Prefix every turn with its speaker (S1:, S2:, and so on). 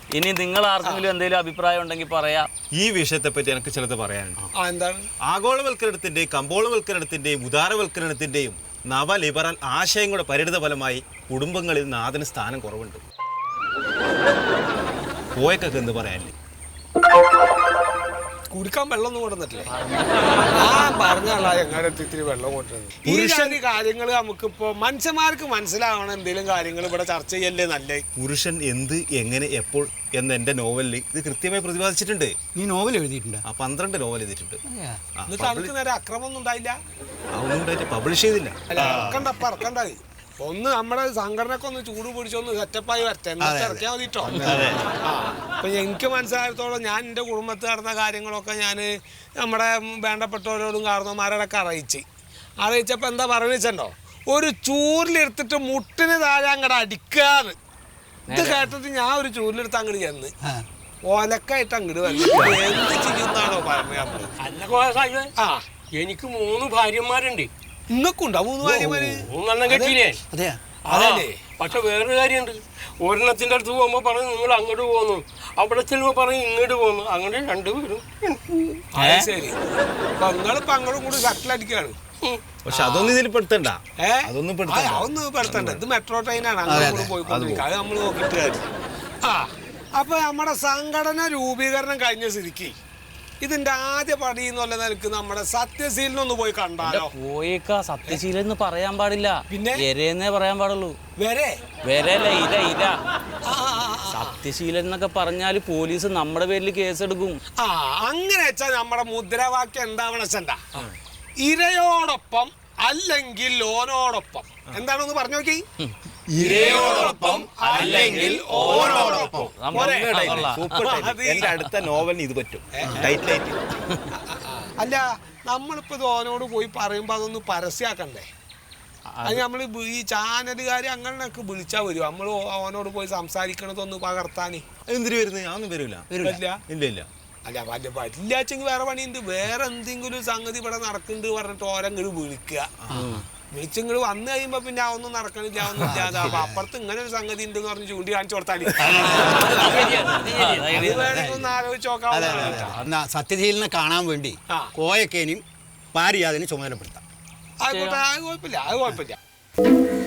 S1: ഇനി നിങ്ങൾ ആർക്കെങ്കിലും എന്തെങ്കിലും അഭിപ്രായം ഉണ്ടെങ്കിൽ പറയാം.
S2: ഈ വിഷയത്തെ പറ്റി എനിക്ക് ചിലത് പറയാനുണ്ട്.
S3: എന്താണ്?
S2: ആഗോളവൽക്കരണത്തിന്റെയും കമ്പോളവൽക്കരണത്തിന്റെയും ഉദാരവൽക്കരണത്തിന്റെയും നവലിബറൽ ആശയങ്ങളുടെ പരിണിത ഫലമായി കുടുംബങ്ങളിൽ നാഥന് സ്ഥാനം കുറവുണ്ട്. പോയൊക്കെ എന്ത് പറയാനില്ലേ?
S3: കുടിക്കാൻ വെള്ളം കൊണ്ടുവന്നിട്ടില്ലേ? പറഞ്ഞാളാ എങ്ങനെ ഇത്തിരി വെള്ളം കൊണ്ടുവരുന്നത്. ഈ കാര്യങ്ങൾ നമുക്കിപ്പോ മനുഷ്യന്മാർക്ക് മനസ്സിലാവണം. എന്തെങ്കിലും കാര്യങ്ങൾ ഇവിടെ ചർച്ച ചെയ്യല്ലേ നല്ലേ.
S2: പുരുഷൻ എന്ത്, എങ്ങനെ, എപ്പോൾ എന്ന എന്റെ നോവലിൽ ഇത് കൃത്യമായി പ്രതിപാദിച്ചിട്ടുണ്ട്.
S4: നീ നോവൽ എഴുതിയിട്ടുണ്ട്?
S2: 12 നോവൽ എഴുതിയിട്ടുണ്ട്.
S3: എന്നിട്ട് അവർക്ക് നേരെ അക്രമമൊന്നും ഉണ്ടായില്ല.
S2: അതൊന്നും ഉണ്ടായിട്ട് പബ്ലിഷ് ചെയ്തില്ല.
S3: ഇറക്കണ്ട. ഒന്ന് നമ്മുടെ സംഘടനക്ക് ഒന്ന് ചൂട് പിടിച്ചൊന്ന് സെറ്റപ്പായി വരട്ടെ, എന്നിട്ട് ഇറക്കിയാൽ മതിട്ടോ. അപ്പൊ എനിക്ക് മനസ്സിലായത്തോളം ഞാൻ എൻ്റെ കുടുംബത്തിൽ നടന്ന കാര്യങ്ങളൊക്കെ ഞാൻ നമ്മുടെ വേണ്ടപ്പെട്ടവരോടും കാരണവന്മാരോടൊക്കെ അറിയിച്ചപ്പോൾ എന്താ പറയുന്നുണ്ടോ, ഒരു ചൂരിലെടുത്തിട്ട് മുട്ടിന് താഴെ അങ്ങോട്ട് അടിക്കാന്ന്. ഇത് കേട്ടിട്ട് ഞാൻ ഒരു ചൂരിലെടുത്ത് അങ്ങോട്ട് ചെന്ന് ഓലക്കായിട്ട് അങ്ങോട്ട് വന്നിട്ട് എന്ത് ചെയ്യുന്നാണോ പറഞ്ഞത്.
S5: എനിക്ക് 3 ഭാര്യമാരുണ്ട്.
S3: ഇന്നൊക്കുണ്ടോ 3 ഭാര്യമാര്?
S5: 3 കെട്ടിയില്ലേ?
S3: അതല്ലേ.
S5: പക്ഷെ വേറൊരു കാര്യമുണ്ട്. ഒരെണ്ണത്തിന്റെ അടുത്ത് പോകുമ്പോ പറയും നിങ്ങൾ അങ്ങോട്ട് പോകുന്നു, അവിടെ ചെല്ലുമ്പോ പറയും ഇങ്ങോട്ട് പോകുന്നു. അങ്ങനെ 2 പേരും.
S3: ശരി, നിങ്ങളിപ്പോ അങ്ങോട്ടും കൂടി ഷട്ടിലടിക്കാണ്.
S2: പക്ഷെ അതൊന്നും ഇതിൽ പെടുത്തണ്ട.
S3: അതൊന്നും പെടുത്തണ്ട. ഇത് മെട്രോ ട്രെയിനാണ്, അങ്ങോട്ട് പോയിക്കൊണ്ടിരിക്കുക. അത് നമ്മൾ നോക്കിയിട്ട് കാര്യം. അപ്പൊ നമ്മുടെ സംഘടന രൂപീകരണം കഴിഞ്ഞ സ്ഥിതിക്ക് ഇതിന്റെ ആദ്യ പടി എന്നുള്ള നിലക്ക് നമ്മുടെ സത്യശീലനൊന്ന് പോയി കണ്ടാലോ?
S1: പോയേക്കാ. സത്യശീലൻ എന്ന് പറയാൻ പാടില്ല,
S3: പിന്നെ
S1: വരെന്നേ പറയാൻ പാടുള്ളൂ. വരല്ല, ഇര. സത്യശീലൻ എന്നൊക്കെ പറഞ്ഞാല് പോലീസ് നമ്മുടെ പേരിൽ കേസെടുക്കും.
S3: അങ്ങനെ വെച്ചാൽ നമ്മുടെ മുദ്രാവാക്യം എന്താവണ ഇരയോടൊപ്പം അല്ലെങ്കിൽ ഓനോടൊപ്പം. എന്താണെന്ന് പറഞ്ഞു നോക്കി.
S2: ഇരയോടൊപ്പം അല്ലെങ്കിൽ ഓനോടൊപ്പം. എന്റെ അടുത്ത നോവലിന് ഇത് പറ്റും.
S3: അല്ല, നമ്മളിപ്പോ ഇത് ഓനോട് പോയി പറയുമ്പോ അതൊന്ന് പരസ്യമാക്കണ്ടേ? അത് നമ്മൾ ഈ ചാനലുകാർ അങ്ങനെയൊക്കെ വിളിച്ചാൽ വരും. നമ്മൾ ഓനോട് പോയി സംസാരിക്കണതൊന്ന് പകർത്താന്.
S2: എന്തിനു വരുന്നത്? അതൊന്നും വരില്ല. ഇല്ല.
S3: അല്ല, പറ്റില്ലാച്ചെങ്കിൽ വേറെ പണിയുണ്ട്. വേറെ എന്തെങ്കിലും സംഗതി ഇവിടെ നടക്കുന്നുണ്ട് പറഞ്ഞിട്ട് ഓരങ്ങോട്ട് വിളിച്ചിങ്ങോട്ട് വന്നു കഴിയുമ്പോ പിന്നെ ഒന്നും നടക്കണില്ല, ഒന്നും ഇല്ലാതെ. അപ്പൊ അപ്പുറത്ത് ഇങ്ങനെ ഒരു സംഗതി ഉണ്ടെന്ന് പറഞ്ഞ് ചൂണ്ടി കാണിച്ചു കൊടുത്താൽ ഒന്ന് ആലോചിച്ച് നോക്കാം.
S4: സത്യശീലനെ കാണാൻ വേണ്ടി കോയക്കേനും പാരിയാതിനെ ചുമതലപ്പെടുത്താം.
S3: ആയിക്കോട്ടെ, അത് കുഴപ്പമില്ല.